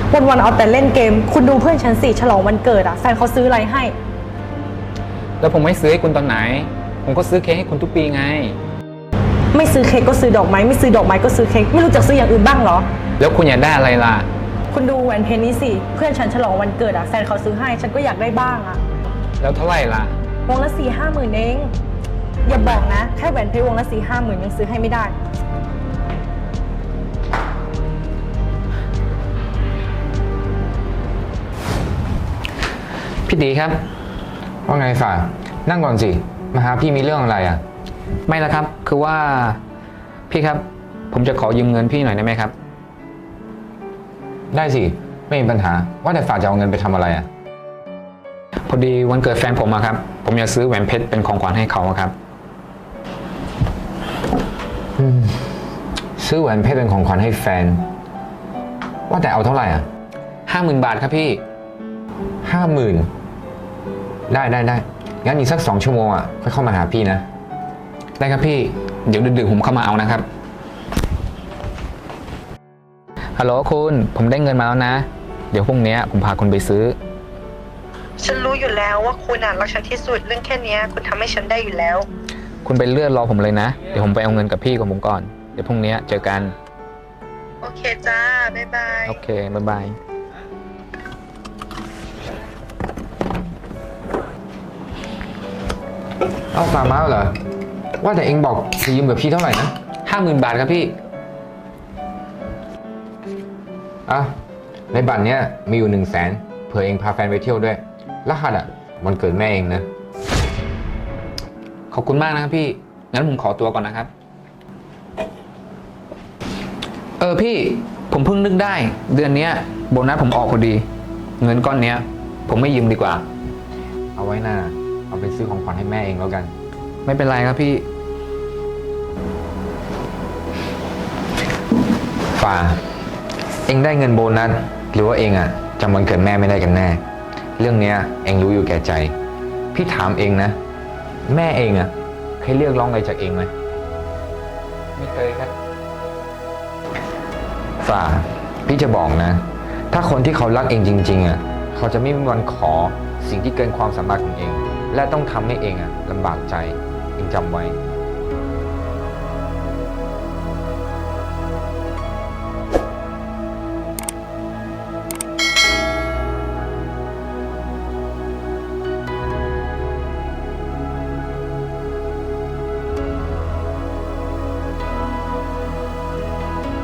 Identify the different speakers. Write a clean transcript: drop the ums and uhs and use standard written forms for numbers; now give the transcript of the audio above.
Speaker 1: วันๆเอาแต่เล่นเกมคุณดูเพื่อนฉันสิฉลองวันเกิดอะแฟนเขาซื้ออะไรให้
Speaker 2: แล้วผมไม่ซื้อให้คุณตอนไหนผมก็ซื้อเค้กให้คุณทุกปีไง
Speaker 1: ไม่ซื้อเค้กก็ซื้อดอกไม้ไม่ซื้อดอกไม้ก็ซื้อเค้กไม่รู้จักซื้ออย่างอื่นบ้างเหรอ
Speaker 2: แล้วคุณอยากได้อะไรล่ะ
Speaker 1: คุณดูแหวนเพชรนี้สิเพื่อนฉันฉลองวันเกิดอะแฟนเขาซื้อให้ฉันก็อยากได้บ้างอะ
Speaker 2: แล้วเท่าไหร่ล่ะ
Speaker 1: วงละ4-5 หมื่นเองอย่าบอกนะแค่แหวนเพชรวงละ4-5 หมื่นยังซื้อให้ไม่ได้
Speaker 2: พี่ตีครับ
Speaker 3: ว่าไงฝ่านั่งก่อนสิมาหาพี่มีเรื่องอะไรอ่ะ
Speaker 2: ไม่ละครับคือว่าพี่ครับผมจะขอยืมเงินพี่หน่อยได้ไหมครับ
Speaker 3: ได้สิไม่มีปัญหาว่าแต่ฝ่าจะเอาเงินไปทำอะไรอ่ะ
Speaker 2: พอดีวันเกิดแฟนผมครับผมอยากซื้อแหวนเพชรเป็นของขวัญให้เขาครับ
Speaker 3: ซื้อแหวนเพชรเป็นของขวัญให้แฟนว่าแต่เอาเท่าไหร่อ่ะ
Speaker 2: 50,000 บาทครับพี่
Speaker 3: 50,000ได้งั้นอีกสัก2 ชั่วโมงอ่ะค่อยเข้ามาหาพี่นะ
Speaker 2: ได้ครับพี่เดี๋ยวดึกๆผมเข้ามาเอานะครับฮัลโหลคุณผมได้เงินมาแล้วนะเดี๋ยวพรุ่งนี้ผมพาคุณไปซื้อ
Speaker 1: ฉันรู้อยู่แล้วว่าคุณรักฉันที่สุดเรื่องแค่นี้คุณทำให้ฉันได้อยู่แล้ว
Speaker 2: คุณไปเลื่อนรอผมเลยนะเดี๋ยวผมไปเอาเงินกับพี่ของผมก่อนเดี๋ยวพรุ่งนี้เจอกัน
Speaker 1: โอเคจ้าบ๊ายบาย
Speaker 2: โอเคบ๊ายบาย
Speaker 3: เอาฝ่ามาเหรอว่าแต่เองบอกจะยืมกับพี่เท่าไหร่นะ
Speaker 2: 50,000 บาทครับพี่
Speaker 3: อ่ะในบัตรเนี้ยมีอยู่100,000เผื่อเองพาแฟนไปเที่ยวด้วยรหัสอ่ะวันเกิดแม่เองนะ
Speaker 2: ขอบคุณมากนะครับพี่งั้นผมขอตัวก่อนนะครับพี่ผมเพิ่งนึกได้เดือนนี้โบนัสผมออกพอดีเงินก้อนนี้ผมไม่ยืมดีกว่า
Speaker 3: เอาไว้หน้าเอาไปซื้อของขวัญให้แม่เองแล้วกัน
Speaker 2: ไม่เป็นไรครับพี่
Speaker 3: ฝ่าเองได้เงินโบนัสหรือว่าเองอ่ะจำวันเกิดแม่ไม่ได้กันแน่เรื่องเนี้ยเองรู้อยู่แก่ใจพี่ถามเองนะแม่เองอ่ะเคยเรียกร้องอะไรจากเองไหม
Speaker 2: ไม่เคยครับ
Speaker 3: ฝ่าพี่จะบอกนะถ้าคนที่เขารักเองจริงๆอ่ะเขาจะไม่มีวันขอสิ่งที่เกินความสามารถของเองและต้องทำให้เองอ่ะลำบากใจเองจำไว้